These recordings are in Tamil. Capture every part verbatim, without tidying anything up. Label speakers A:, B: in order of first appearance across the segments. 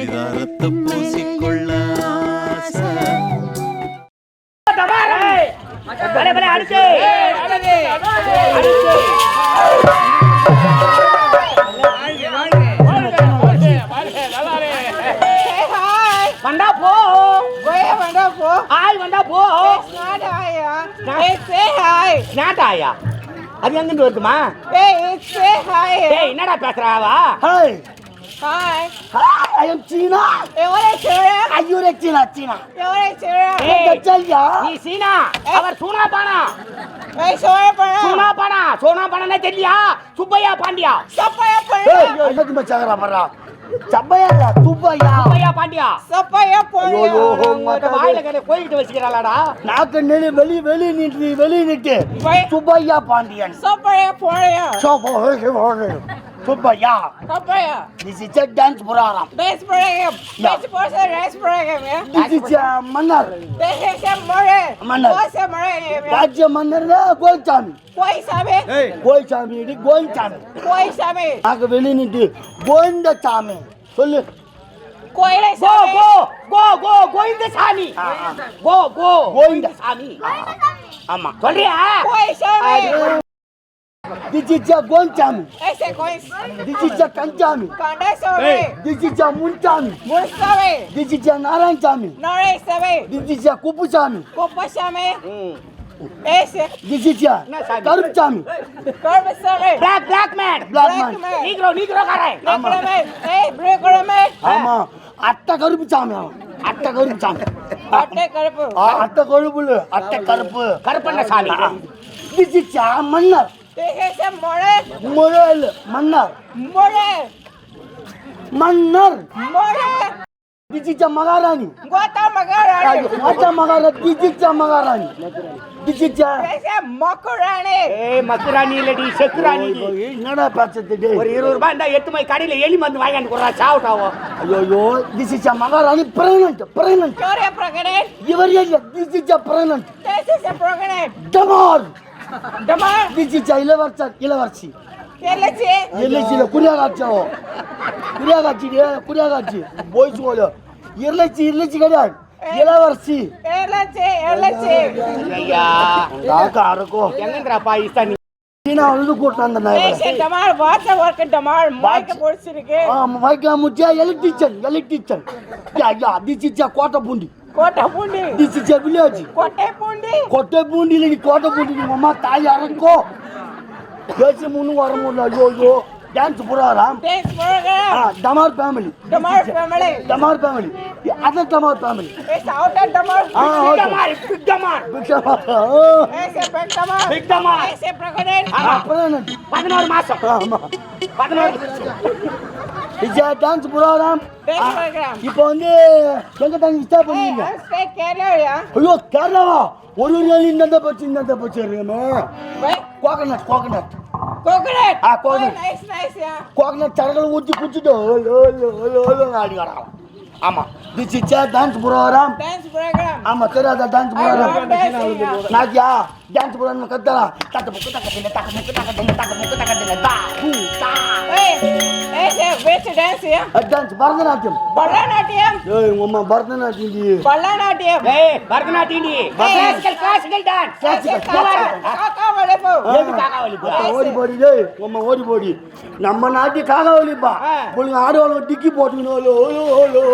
A: பரிதாரத்தை பூசிக்கொள்ள ஆசை.
B: வந்தா போ வந்தா போ ஆய் வந்தா போ நாட்டாயா அது எங்கிட்டு வருதுமா? என்னடா பேசுறாவா?
C: ஹாய் ஹாய் ஐ அம் சீனா.
B: எவரே சீனா?
C: ஐயூரே சீனா சீனா.
B: எவரே சீனா?
C: ஏய் चलिया
B: நீ சீனா அவர் சூனா பானா. ஏய் சோனா பானா. சூனா பானா சோனா பானா தெரியலையா? சுப்பையா பாண்டியா. சுப்பையா பாண்டியா.
C: ஏய் என்ன தும்ப சகரா பண்றா? சப்பையா இல்ல சுப்பையா.
B: சுப்பையா பாண்டியா. சுப்பையா பாண்டியா. ஐயோ உங்க வாயில கே கோயிட்டு வச்சிக்கறாளாடா.
C: நாக்கு நெளி வெளி வெளி நிட்டு வெளி நிட்டு. Subbaiah Pandian.
B: Subbaiah Pandya.
C: Subbaiah Subbaiah.
B: Subbaiah.
C: This is a dance program.
B: Dance program. Dance program. Dance program.
C: This is a மன்னர்.
B: This is a மன்னர்.
C: மன்னர்.
B: கோச மன்னர்.
C: ராஜ்ய மன்னர்னா கோயிச்சாமி.
B: கோயிசாமி.
C: கோயிச்சாமி இது கோயிச்சாமி.
B: கோயிசாமி.
C: நாக்கு வெளி நிட்டு கோவிந்தசாமி. சொல்லு.
B: கோயிலை சாமி. கோ கோ கோ கோவிந்தசாமி. கோ கோ கோவிந்தசாமி.
C: ஆமா.
B: சொல்றியா? கோயிசாமி.
C: This is a கோயிச்சாமி.
B: Ese கோயிஸ்.
C: This is a கஞ்சாமி.
B: Kandasamy.
C: This is a Munsamy.
B: Munsamy.
C: This is a Narayanasamy.
B: Narayanasamy.
C: This is a Kuppusamy.
B: Kuppusamy. Ese.
C: This is a Karuppusamy.
B: Karuppusamy. Black black man.
C: Black man.
B: Negro negro காரன். Negro man. Hey negro man.
C: ஆமா. அட்ட கருப்புசாமி அவன். அட்ட கருப்புசாமி.
B: அட்ட கருப்பு.
C: அட்ட கருப்புல அட்ட கருப்பு.
B: கருப்பண்ண சாமி.
C: This is a மன்னர்.
B: This is a மொழல்.
C: மொழல் மன்னர்.
B: மொழல்.
C: மன்னர்.
B: Mughal.
C: This is a maharani.
B: கோத்தா மகாராணி.
C: கோத்தா மகாராணி. This is a மகாராணி. This is a
B: This is மக்குராணி. ஏய் மக்குராணி இல்லடி செக்குராணி.
C: என்னடா பேசுறது டேய்?
B: ஒரு இருபது ரூபாய் இந்த எட்டு மை கடையில எலி மருந்து வாங்கிட்டு போறா சாவுட்டாவோ.
C: ஐயோ this is a மகாராணி pregnant pregnant.
B: Sorry pregnant.
C: இவர் இல்ல this is a pregnant.
B: This is a pregnant.
C: Damar.
B: Damar.
C: This is a இளவரசி இளவரசி.
B: எல்லச்சி.
C: எல்லச்சில குடியாகாச்சோ. குடியாகாச்சி குடியாகாச்சி போய் சொல்ல. எல்லச்சி எல்லச்சி கிடையாது. இளவரசி.
B: எல்லச்சி எல்லச்சி. ஐயா.
C: காக்கா அரக்கோ.
B: எங்கன்றா பாகிஸ்தான்
C: சீனா வந்து கூட்டம் அந்த நாய்.
B: ஏய் டமார் வாட்ஸ் வர்க் டமார் மைக் போடுச்சிருக்கு.
C: ஆ மைக் முச்சா electrician electrician. Yeah yeah this is a கோட்டை பூண்டி.
B: கோட்டை Poondi.
C: This is a village.
B: கோட்டை பூண்டி.
C: கோட்டை பூண்டி இல்ல கோட்டை பூண்டி அம்மா தாய் அரக்கோ. பேசி முன்னு வர முடியல. ஐயோ ஐயோ டான்ஸ் ப்ரோகிராம்.
B: Dance program.
C: ஆ டமார் ஃபேமிலி.
B: டமார் ஃபேமிலி.
C: டமார் ஃபேமிலி. அதர் டமார் ஃபேமிலி.
B: ஏ சவுத் டமார்.
C: ஆ
B: டமார் பிக் டமார்.
C: பிக் டமார்.
B: ஏசே பிக் டமார். பிக் டமார். ஏசே பிரகடன்.
C: ஆ பிரகடன்.
B: பதினொரு மாசம். ஆமா. பதினொரு.
C: இது டான்ஸ் ப்ரோகிராம்.
B: Dance program.
C: இப்போ வந்து எங்க தங்கி ஸ்டாப் பண்ணீங்க?
B: ஸ்டே கேரளா.
C: ஐயோ கேரளாவா? ஒரு நாள் இந்த பச்சு இந்த பச்சு இருக்கமே. Why coconut coconut.
B: கோகனட்.
C: ஆ coconut.
B: Nice nice yeah.
C: Coconut சரகல ஊத்தி குடிச்சிட்டு ஓலோ ஓலோ ஓலோ ஆடி வரான். ஆமா this is a dance program.
B: Dance program.
C: ஆமா தெரியாத டான்ஸ் program. நாக்கியா டான்ஸ் program கத்தறா. தட்ட முக்கு தட்ட தின தட்ட முக்கு தட்ட தின தட்ட முக்கு தட்ட தின தா பூ தா.
B: ஏய் ஏசே வெச் டான்ஸ் யா?
C: டான்ஸ் பரதநாட்டியம்.
B: பரதநாட்டியம்.
C: ஏய் உம்மா பரதநாட்டியம் டி.
B: பரதநாட்டியம். ஏய் பரதநாட்டியம் டி. Classical classical dance. கிளாசிக்கல். காக்கா வலி போ.
C: ஏய் காக்கா வலி போ. ஓடி போடி டேய் உம்மா ஓடி போடி. நம்ம நாட்டி காக்கா வலி பா. புள்ளைங்க ஆடுவாங்க டிக்கி போட்டுனோ ஓலோ ஓலோ.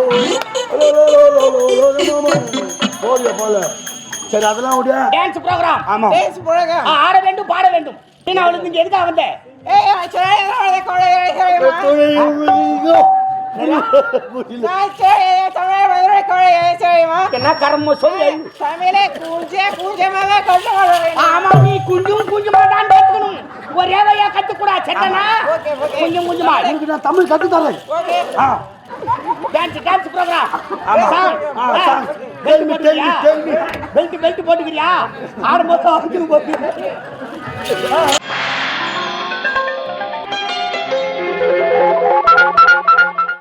C: போடியா போல. சரி அதெல்லாம் விடு. Dance program. ஆமா டான்ஸ் ப்ரோகிராம். ஆட வேண்டும் பாட வேண்டும். நீ அவளுக்கு இங்க எதுக்கு வந்த? ஏய் சரி அவளே கோளே சரிமா. நான் சரி தமிழ் மதுரை கோளே சரிமா. என்ன கர்ம சொல்லு. தமிழே குஞ்சே குஞ்சமாவே கண்டு வரவே. ஆமா நீ குஞ்சும் குஞ்சுமா தான் பேசணும். ஒரே வழியா கத்து கூட செட்டனா. Okay okay. குஞ்சும் குஞ்சுமா. எனக்கு நான் தமிழ் கத்து தரேன். ஓகே. ஆ டான்ஸ் டான்ஸ் ப்ரோகிராம். ஆமா ஆ song. Belt belt belt belt போட்டுக்கிறியா? ஆடும்போது வந்து போட்டு